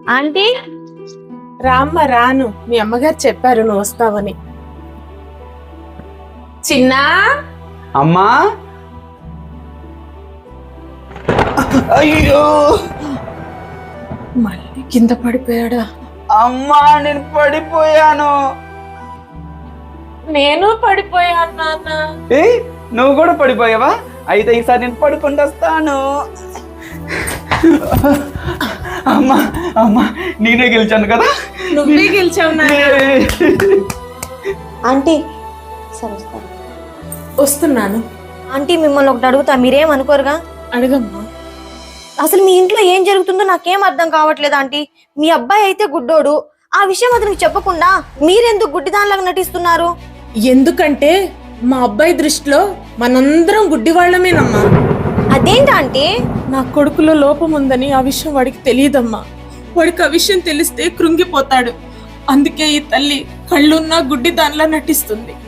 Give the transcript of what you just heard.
Aunty రామ్మ రాను, మీ అమ్మగారు చెప్పారు నువ్వు వస్తావని. చిన్నా అమ్మా, అయ్యో మళ్ళీ కింద పడిపోయాడా? అమ్మా, నేను పడిపోయాను. నేను పడిపోయాను నాన్న. ఏ, నువ్వు కూడా పడిపోయావా? అయితే ఈసారి నేను పడుకుంటూ వస్తాను. అమ్మా అమ్మా, నేనే గెలిచాను కదా. నువ్వే గెలిచావు నాన్న. ఆంటీ సరే వస్తాను. వస్తున్నాను. ఆంటీ మిమ్మల్ని ఒకటి అడుగుతా, మీరేమనుకోరుగా? అడగమ్మా. అసలు మీ ఇంట్లో ఏం జరుగుతుందో నాకేం అర్థం కావట్లేదు ఆంటీ. మీ అబ్బాయి అయితే గుడ్డోడు, ఆ విషయం అతనికి చెప్పకుండా మీరెందుకు గుడ్డిదానిలాగా నటిస్తున్నారు? ఎందుకంటే మా అబ్బాయి దృష్టిలో మనందరం గుడ్డి వాళ్ళమేనమ్మా. అదేంటి ఆంటీ? నా కొడుకులో లోపం ఉందని ఆ విషయం వాడికి తెలియదమ్మా. వాడికి ఆ విషయం తెలిస్తే కృంగిపోతాడు. అందుకే ఈ తల్లి కళ్ళున్నా గుడ్డి దానిలా నటిస్తుంది.